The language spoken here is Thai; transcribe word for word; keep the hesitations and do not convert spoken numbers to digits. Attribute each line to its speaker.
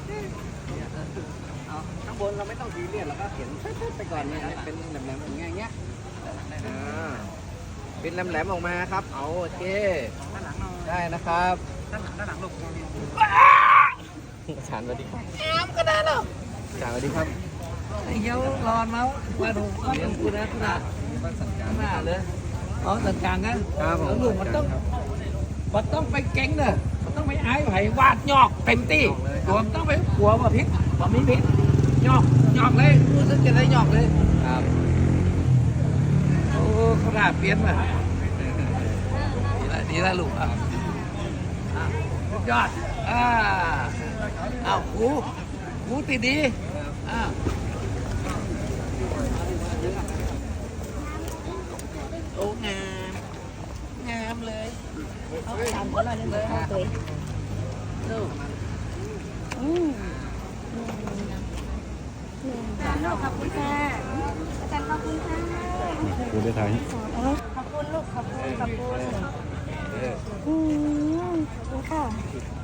Speaker 1: เอาข้างบนเราไม่ต้องซีเรียสเราก็เขียนไปก่อนเนี่ยเป็นแหลมๆอย่างเงี้ยเงี้ยอ่าเป็นแหลมๆออกมาครับเอาโอเคด้านหลังหน่อยได้นะครับด้านหลังด้านหลังลูกอาจารย์สวัสดีครับน้ำก็ได้หรออาจารย์สวัสดีครับเยี่ยวร้อนมามาดูมาดูกูนะกูนะหน้าเลยอ๋อสัญญาณนะครับผมลูกมันต้องมันต้องไปเก่งเนอะมันต้องไปไอ้ไผ่วาดยอกเต็มที่ตัวมันต้องไปหัวว่าพิษว่ามีพิษยอกยอกเลยรู้สึกจะได้ยอกเลยครับโอ้ขนาดเปลี่ยนมาดีละดีละลูกอ่ะยอดอ่าอ้าวหูหูติดดีอ่าโอ้งามงามเลยเอาทำก็เลยเลยเลยดูอืมลูกขอบคุณค่ะอาจารย์ขอบคุณค่ะดูได้ทางขอบคุณลูกขอบคุณขอบคุณอืมขอบคุณค่ะ